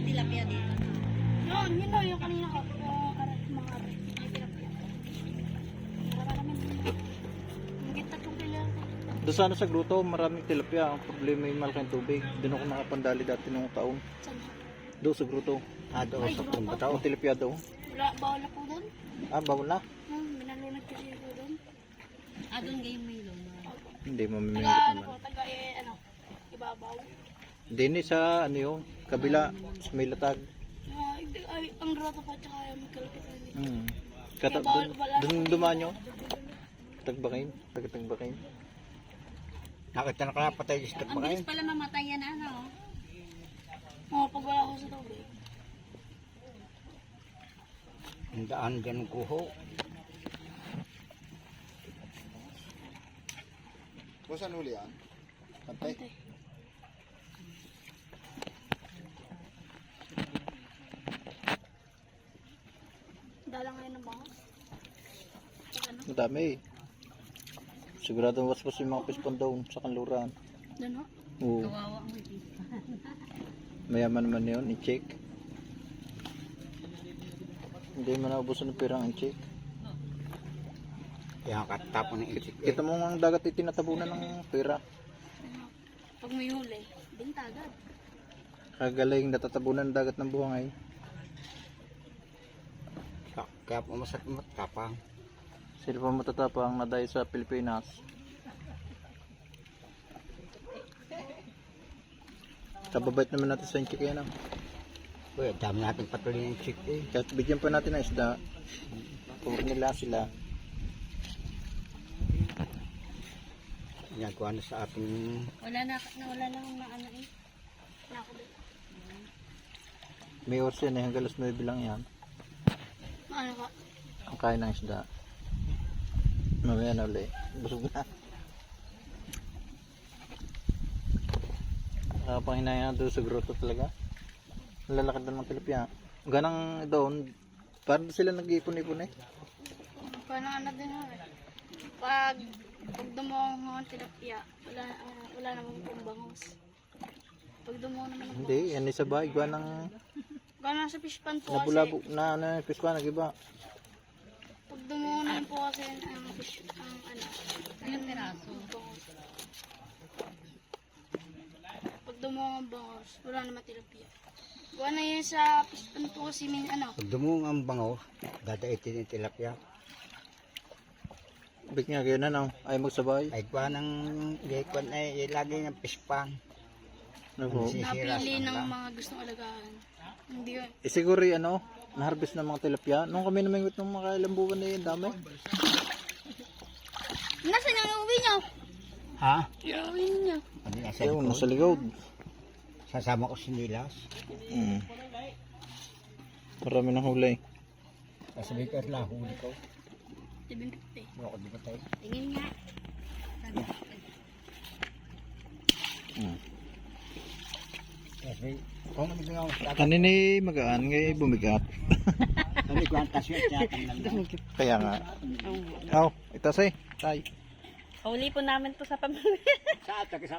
tilapia dito. Yun o, yung kanina ko. Yung mga aray. May tilapia. Wala naman dito. Higit 3 kilo. Doon sana sa gruto, maraming tilapia. Ang problema yung malaking tubig. Doon ako nakapandali dati nung taon. Saan? Doon sa gruto. Doon Ay, sa grupo? kumbataw. Ang tilapia daw. Bawal na po doon. Bawal na. Minalunod kasi po doon. Doon ngayon may luma. Hindi mamimingit Taga ano naman. po, taga ibabaw. Hindi ni sa ano yung kabila, sa may latag. Ay, ang grotto po, tsaka may kalupitan dito. Kata, doon dumaan nyo. Tagbakin. Tagatagbakin. Nakita na kaya patay sa Ang bilis pala mamatay yan, ano? Pag wala ko sa tubig. Ang daan dyan ng kuho. Kung saan huli yan? Pantay? Pantay. Dalang ngayon ng bangos. Ano? Madami eh. Sigurado waswas yung mga pispon doon sa kanluran. Doon ho? Oo. Kawawa mo ito. Mayaman naman yun, i-check. Hindi man naubusan ng pirang i-check. Kaya katapon ng isip. Kita mo ang dagat itinatabunan ng pera. Pag may huli, binta agad. Kagaling natatabunan ng dagat ng buhangay. Kaya pumasat matapang. Sila pa matatapang na dahil sa Pilipinas. Kababait naman natin sa check yan. Uy, dami natin patuloy ng chick eh. Kahit bigyan pa natin ng isda, puro nila sila. Ginagawa na sa ating Wala na akong maano eh. Wala ko doon. May oras yan eh, hanggang alas 9 lang yan. Ano ka? Ang kain ng isda. Mamaya na ulit. Busog na. Panghinaya doon sa grotto talaga. Lalakad doon ng tilapia. Ganang doon, parang sila nag-iipon-ipon eh. Paano ano din ho eh. Pag dumuong ho ang tilapia, wala namang pumbangos. Pag dumuong naman ang Hindi, yan isa ba? Iba ng gano'n sa fish pan po kasi. nabulabog na ano, piskwa, nag-iba. Pag dumuong naman po kasi ang fish, Ilang piraso? bangos. Pag dumuong ang bangos, wala naman tilapia. Gawa na yun sa fish pan po kasi may pag dumung ang bango, dadaitin yung tilapia. Big nga, ganyan na no? Ay magsabay. Ay kwa ng gaykon ay lagi ng pispang. Ano? napili ng mga gustong alagaan. Hindi yun. Siguro ano, na-harvest ng mga tilapia. Nung kami namingwit ng mga ilang buwan na yun, dami. Nasaan ang uwi niyo? Ha? Yung uwi niyo. Ano nasa Ayun, likod? nasa likod. Sasama ko sinilas. Marami ng huli. Sasabihin ko lang, huli ko. Tibing pipi. Wala ko di ba tayo? Tingin nga. Kasi, kung ano nga ako sa akin, Kanina magaan, ngayon bumigat. sabi ko ang tasyo at yatang lang. Kaya nga. Oh, itas eh. Tay. Huli po namin to sa pamilya. Sa atak,